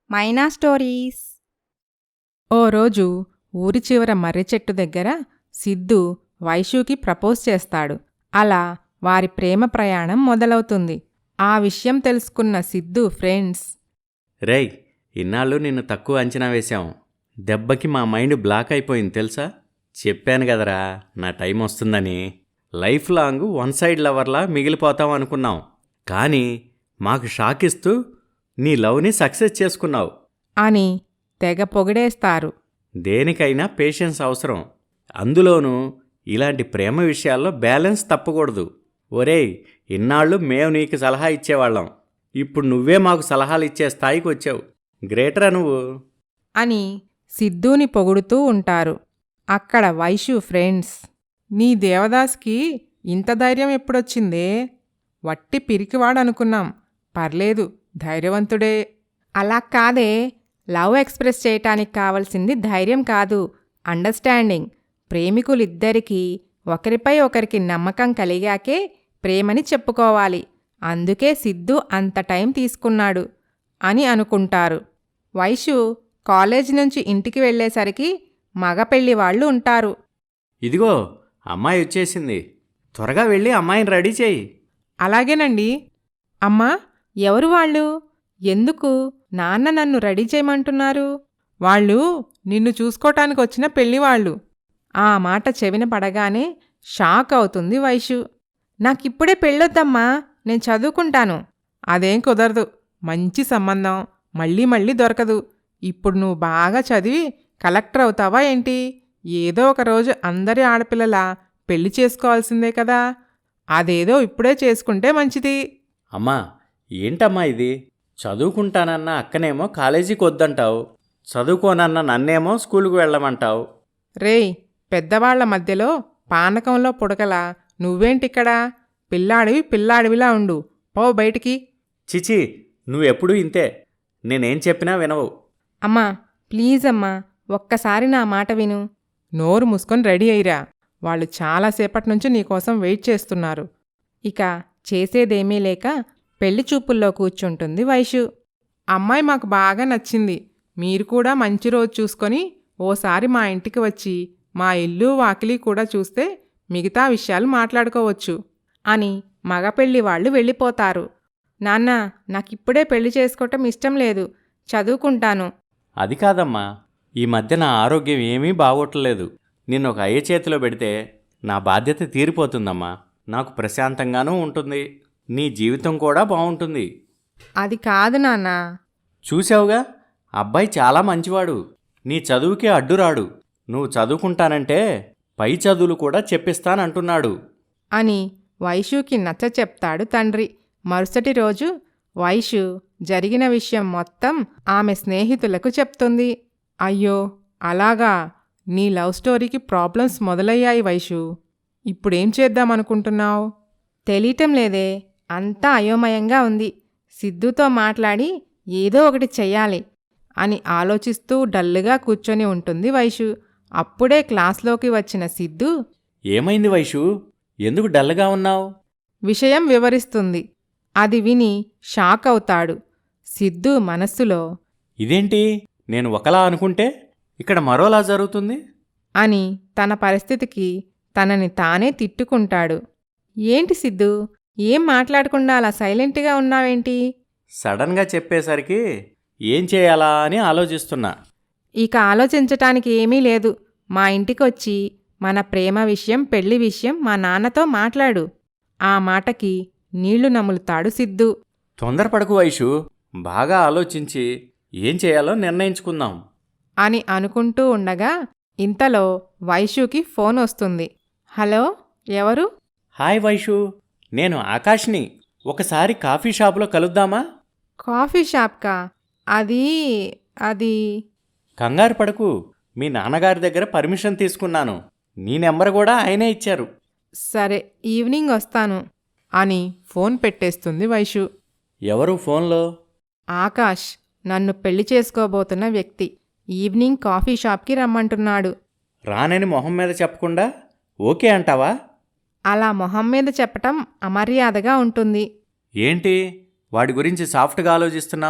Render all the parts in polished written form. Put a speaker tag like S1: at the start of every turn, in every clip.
S1: మైనా stories.
S2: ఓ రోజు ఊరి చివర మర్రి చెట్టు దగ్గర సిద్ధు వైషూకి ప్రపోజ్ చేస్తాడు. అలా వారి ప్రేమ ప్రయాణం మొదలవుతుంది. ఆ విషయం తెలుసుకున్న సిద్ధు ఫ్రెండ్స్,
S3: రేయ్, ఇన్నాళ్ళు నిన్ను తక్కువ అంచనా వేశాం. దెబ్బకి మా మైండ్ బ్లాక్ అయిపోయింది తెలుసా? చెప్పాను కదరా నా టైం వస్తుందని. లైఫ్ లాంగ్ వన్ సైడ్ లవర్లా మిగిలిపోతాం అనుకున్నాం. కానీ మాకు షాక్ ఇస్తూ నీ లవ్ని సక్సెస్ చేసుకున్నావు.
S2: అని తెగ పొగిడేస్తారు.
S3: దేనికైనా పేషెన్స్ అవసరం. అందులోనూ ఇలాంటి ప్రేమ విషయాల్లో బ్యాలెన్స్ తప్పకూడదు. ఒరేయ్, ఇన్నాళ్ళు మేము నీకు సలహా ఇచ్చేవాళ్ళం. ఇప్పుడు నువ్వే మాకు సలహాలు ఇచ్చే స్థాయికి వచ్చావు. గ్రేటరా నువ్వు
S2: అని సిద్ధుని పొగుడుతూ ఉంటారు. అక్కడ వైషు ఫ్రెండ్స్, నీ దేవదాస్కి ఇంత ధైర్యం ఎప్పుడొచ్చిందే? వట్టి పిరికివాడనుకున్నాం. పర్లేదు, ధైర్యవంతుడే.
S1: అలా కాదే, లవ్ ఎక్స్ప్రెస్ చేయటానికి కావలసింది ధైర్యం కాదు, అండర్స్టాండింగ్. ప్రేమికులిద్దరికీ ఒకరిపై ఒకరికి నమ్మకం కలిగాకే ప్రేమని చెప్పుకోవాలి. అందుకే సిద్ధు అంత టైం తీసుకున్నాడు అని అనుకుంటారు. వైషు కాలేజీ నుంచి ఇంటికి వెళ్ళేసరికి మగ పెళ్లివాళ్లు ఉంటారు.
S3: ఇదిగో అమ్మాయి వచ్చేసింది. త్వరగా వెళ్ళి అమ్మాయిని రెడీ చేయి.
S2: అలాగేనండి. అమ్మా, ఎవరు వాళ్ళు? ఎందుకు నాన్న నన్ను రెడీ చేయమంటున్నారు? వాళ్ళు నిన్ను చూసుకోటానికి వచ్చిన పెళ్లివాళ్ళు. ఆ మాట చెవిన పడగానే షాక్ అవుతుంది వైషు.
S1: నాకిప్పుడే పెళ్ళొద్దమ్మా, నేను చదువుకుంటాను.
S2: అదేం కుదరదు. మంచి సంబంధం మళ్ళీ మళ్ళీ దొరకదు. ఇప్పుడు నువ్వు బాగా చదివి కలెక్టర్ అవుతావా ఏంటి? ఏదో ఒక రోజు అందరి ఆడపిల్లలా పెళ్లి చేసుకోవాల్సిందే కదా. అదేదో ఇప్పుడే చేసుకుంటే మంచిది.
S3: అమ్మా, ఏంటమ్మా ఇది? చదువుకుంటానన్న అక్కనేమో కాలేజీకి వద్దంటావు, చదువుకోనన్న నన్నేమో స్కూలుకు వెళ్ళమంటావు.
S2: రేయ్, పెద్దవాళ్ల మధ్యలో పానకంలో పుడకలా నువ్వేంటిక్కడా? పిల్లాడివిలా ఉండు. పో బయటికి.
S3: చిచి, నువ్వెప్పుడూ ఇంతే. నేనేం చెప్పినా వినవు.
S1: అమ్మా ప్లీజ్ అమ్మా, ఒక్కసారి నా మాట విను.
S2: నోరు మూసుకొని రెడీ అయ్యిరా. వాళ్ళు చాలాసేపటి నుంచి నీకోసం వెయిట్ చేస్తున్నారు.
S1: ఇక చేసేదేమీ లేక పెళ్లి చూపుల్లో కూర్చుంటుంది వైషు.
S2: అమ్మాయి మాకు బాగా నచ్చింది. మీరు కూడా మంచి రోజు చూసుకొని ఓసారి మా ఇంటికి వచ్చి మా ఇల్లు వాకిలి కూడా చూస్తే మిగతా విషయాలు మాట్లాడుకోవచ్చు
S1: అని మగ పెళ్లి వాళ్ళు వెళ్ళిపోతారు. నాన్న, నాకిప్పుడే పెళ్లి చేసుకోవటం ఇష్టం లేదు, చదువుకుంటాను.
S3: అది కాదమ్మా, ఈ మధ్య నా ఆరోగ్యం ఏమీ బాగోట్లేదు. నిన్ను ఒక అయ్య చేతిలో పెడితే నా బాధ్యత తీరిపోతుందమ్మా. నాకు ప్రశాంతంగానూ ఉంటుంది, నీ జీవితం కూడా బాగుంటుంది.
S1: అది కాదు నాన్న.
S3: చూసావుగా, అబ్బాయి చాలా మంచివాడు. నీ చదువుకే అడ్డురాడు. నువ్వు చదువుకుంటానంటే పై చదువులు కూడా చెప్పిస్తానంటున్నాడు
S1: అని వైషుకి నచ్చ చెప్తాడు తండ్రి. మరుసటి రోజు వైషు జరిగిన విషయం మొత్తం ఆమె స్నేహితులకు చెప్తుంది.
S2: అయ్యో, అలాగా? నీ లవ్ స్టోరీకి ప్రాబ్లమ్స్ మొదలయ్యాయి వైషు. ఇప్పుడేం చేద్దామనుకుంటున్నావు?
S1: తెలియటం లేదే, అంతా అయోమయంగా ఉంది. సిద్ధుతో మాట్లాడి ఏదో ఒకటి చెయ్యాలి
S2: అని ఆలోచిస్తూ డల్లుగా కూర్చొని ఉంటుంది వైషు. అప్పుడే క్లాస్లోకి వచ్చిన సిద్ధు,
S3: ఏమైంది వైషు? ఎందుకు డల్గా ఉన్నావు?
S2: విషయం వివరిస్తుంది. అది విని షాక్ అవుతాడు. సిద్ధు మనస్సులో,
S3: ఇదేంటి, నేను ఒకలా అనుకుంటే ఇక్కడ మరోలా జరుగుతుంది
S2: అని తన పరిస్థితికి తనని తానే తిట్టుకుంటాడు.
S1: ఏంటి సిద్ధు, ఏం మాట్లాడకుండా అలా సైలెంట్గా ఉన్నావేంటి?
S3: సడన్గా చెప్పేసరికి ఏం చేయాలా అని ఆలోచిస్తున్నా.
S1: ఇక ఆలోచించటానికి ఏమీ లేదు. మా ఇంటికొచ్చి మన ప్రేమ విషయం, పెళ్లి విషయం మా నాన్నతో మాట్లాడు.
S2: ఆ మాటకి నీళ్లు నములుతాడు సిద్ధు.
S3: తొందరపడకు వైషు, బాగా ఆలోచించి ఏం చేయాలో నిర్ణయించుకుందాం
S2: అని అనుకుంటూ ఉండగా ఇంతలో వైషుకి ఫోన్ వస్తుంది.
S1: హలో, ఎవరు?
S3: హాయ్ వైషు, నేను ఆకాష్ని. ఒకసారి కాఫీ షాపులో కలుద్దామా?
S1: కాఫీ షాప్కా? అది
S3: కంగారు పడకు, మీ నాన్నగారి దగ్గర పర్మిషన్ తీసుకున్నాను. నీ నెంబర్ కూడా ఆయనే ఇచ్చారు.
S1: సరే, ఈవినింగ్ వస్తాను
S2: అని ఫోన్ పెట్టేస్తుంది వైషు.
S3: ఎవరు ఫోన్లో?
S1: ఆకాష్, నన్ను పెళ్లి చేసుకోబోతున్న వ్యక్తి. ఈవినింగ్ కాఫీ షాప్కి రమ్మంటున్నాడు.
S3: రానని మొహం మీద చెప్పకుండా ఓకే అంటావా?
S1: అలా మొహం మీద చెప్పటం అమర్యాదగా ఉంటుంది.
S3: ఏంటి, వాడి గురించి సాఫ్ట్గా ఆలోచిస్తున్నావు?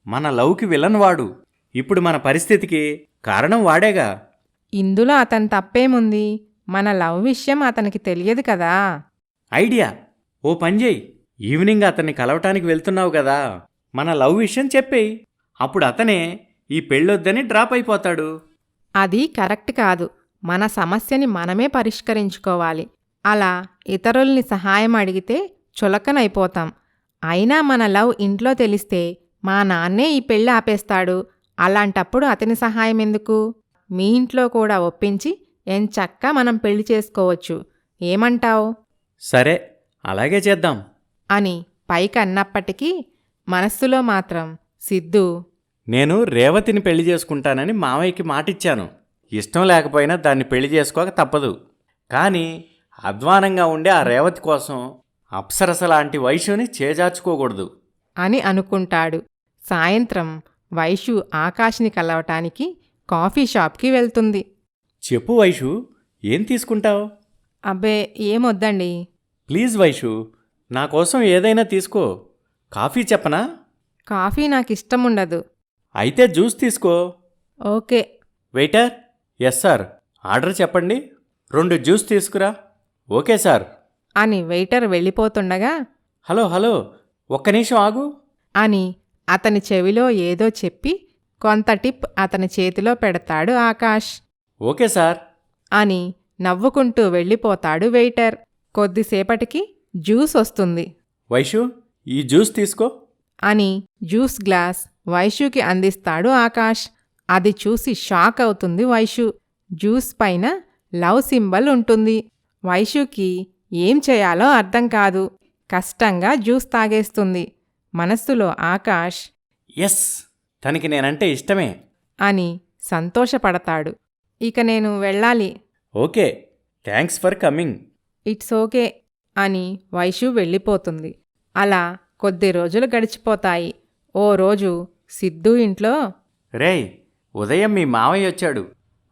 S3: మన లవ్కి విలన్ వాడు. ఇప్పుడు మన పరిస్థితికి కారణం వాడేగా.
S1: ఇందులో అతని తప్పేముంది? మన లవ్ విషయం అతనికి తెలియదు కదా.
S3: ఐడియా, ఓ పని చేయి. ఈవినింగ్ అతన్ని కలవటానికి వెళ్తున్నావు కదా, మన లవ్ విషయం చెప్పేయి. అప్పుడు అతనే ఈ పెళ్ళొద్దని డ్రాప్ అయిపోతాడు.
S1: అది కరెక్ట్ కాదు. మన సమస్యని మనమే పరిష్కరించుకోవాలి. అలా ఇతరుల్ని సహాయం అడిగితే చులకనైపోతాం. అయినా మన లవ్ ఇంట్లో తెలిస్తే మా నాన్నే ఈ పెళ్ళి ఆపేస్తాడు. అలాంటప్పుడు అతని సహాయం ఎందుకు? మీ ఇంట్లో కూడా ఒప్పించి ఎంచక్కా మనం పెళ్లి చేసుకోవచ్చు. ఏమంటావ్?
S3: సరే, అలాగే చేద్దాం
S1: అని పైకన్నప్పటికీ మనస్సులో మాత్రం సిద్ధు
S3: నేను రేవతిని పెళ్లి చేసుకుంటానని మావయ్యకి మాటిచ్చాను. ఇష్టం లేకపోయినా దాన్ని పెళ్లి చేసుకోక తప్పదు. కానీ అధ్వానంగా ఉండే ఆ రేవతి కోసం అప్సరస లాంటి వైశ్యుని చేజార్చుకోకూడదు
S1: అని అనుకుంటాడు. సాయంత్రం వైషు ఆకాష్ని కలవటానికి కాఫీ షాప్కి వెళ్తుంది.
S3: చెప్పు వైషు, ఏం తీసుకుంటావు?
S1: అబ్బే ఏమొద్దండి.
S3: ప్లీజ్ వైషు, నా కోసం ఏదైనా తీసుకో. కాఫీ చెప్పనా?
S1: కాఫీ నాకిష్టముండదు.
S3: అయితే జ్యూస్ తీసుకో.
S1: Okay.
S3: Waiter. Yes sir, order చెప్పండి. 2 జ్యూస్ తీసుకురా. ఓకే సార్
S1: అని వెయిటర్ వెళ్ళిపోతుండగా
S3: హలో హలో, ఒక్క నిమిషం ఆగు
S1: అని అతని చెవిలో ఏదో చెప్పి కొంత టిప్ అతని చేతిలో పెడతాడు ఆకాష్.
S3: ఓకే సార్
S1: అని నవ్వుకుంటూ వెళ్ళిపోతాడు వెయిటర్. కొద్దిసేపటికి జ్యూస్ వస్తుంది.
S3: వైషు, ఈ జ్యూస్ తీసుకో
S1: అని జ్యూస్ గ్లాస్ వైషుకి అందిస్తాడు ఆకాష్. అది చూసి షాక్ అవుతుంది వైషు. జ్యూస్ పైన లవ్ సింబల్ ఉంటుంది. వైషుకి ఏం చేయాలో అర్థం కాదు. కష్టంగా జ్యూస్ తాగేస్తుంది. మనస్సులో ఆకాష్
S3: ఎస్, తనకి నేనంటే ఇష్టమే
S1: అని సంతోషపడతాడు. ఇక నేను వెళ్ళాలి.
S3: Okay, thanks for coming.
S1: It's okay అని వైషు వెళ్ళిపోతుంది. అలా కొద్ది రోజులు గడిచిపోతాయి. ఓ రోజు సిద్ధు ఇంట్లో
S3: రేయ్, ఉదయం మీ మావయ్య వచ్చాడు.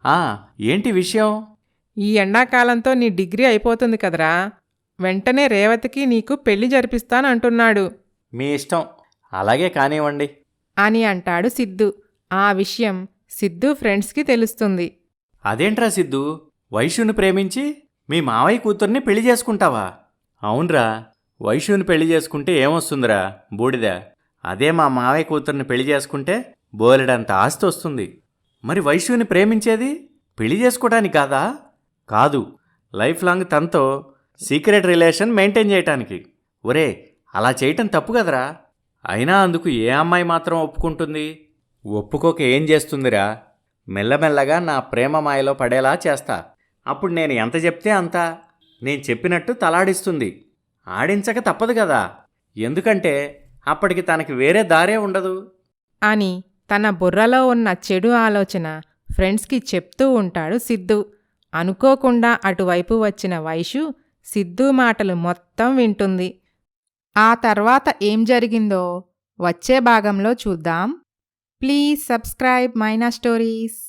S3: ఏంటి విషయం?
S2: ఈ ఎండాకాలంతో నీ డిగ్రీ అయిపోతుంది కదరా, వెంటనే రేవతికి నీకు పెళ్లి జరిపిస్తానంటున్నాడు.
S3: మీ ఇష్టం, అలాగే కానివ్వండి
S1: అని అంటాడు సిద్ధు. ఆ విషయం సిద్ధు ఫ్రెండ్స్కి తెలుస్తుంది.
S3: అదేంట్రా సిద్ధు, వైశ్యుని ప్రేమించి మీ మావయ్య కూతుర్ని పెళ్లి చేసుకుంటావా? అవునరా, వైశ్యుని పెళ్లి చేసుకుంటే ఏమొస్తుందిరా, బూడిద. అదే మా మావయ్య కూతుర్ని పెళ్లి చేసుకుంటే బోలెడంత ఆస్తి వస్తుంది. మరి వైశ్యుని ప్రేమించేది పెళ్లి చేసుకోవడానికి కాదా? కాదు, లైఫ్ లాంగ్ తనతో సీక్రెట్ రిలేషన్ మెయింటైన్ చేయటానికి. ఒరే, అలా చేయటం తప్పు కదరా. అయినా అందుకు ఏ అమ్మాయి మాత్రం ఒప్పుకుంటుంది? ఒప్పుకోక ఏం చేస్తుందిరా? మెల్లమెల్లగా నా ప్రేమ మాయలో పడేలా చేస్తా. అప్పుడు నేను ఎంత చెప్తే అంత నేను చెప్పినట్టు తలాడిస్తుంది. ఆడించక తప్పదు కదా, ఎందుకంటే అప్పటికి తనకి వేరే దారే ఉండదు
S1: అని తన బుర్రలో ఉన్న చెడు ఆలోచన ఫ్రెండ్స్కి చెప్తూ ఉంటాడు సిద్ధు. అనుకోకుండా అటువైపు వచ్చిన వైషు సిద్ధు మాటలు మొత్తం వింటుంది. ఆ తర్వాత ఏం జరిగిందో వచ్చే భాగంలో చూద్దాం. Please subscribe Maina stories.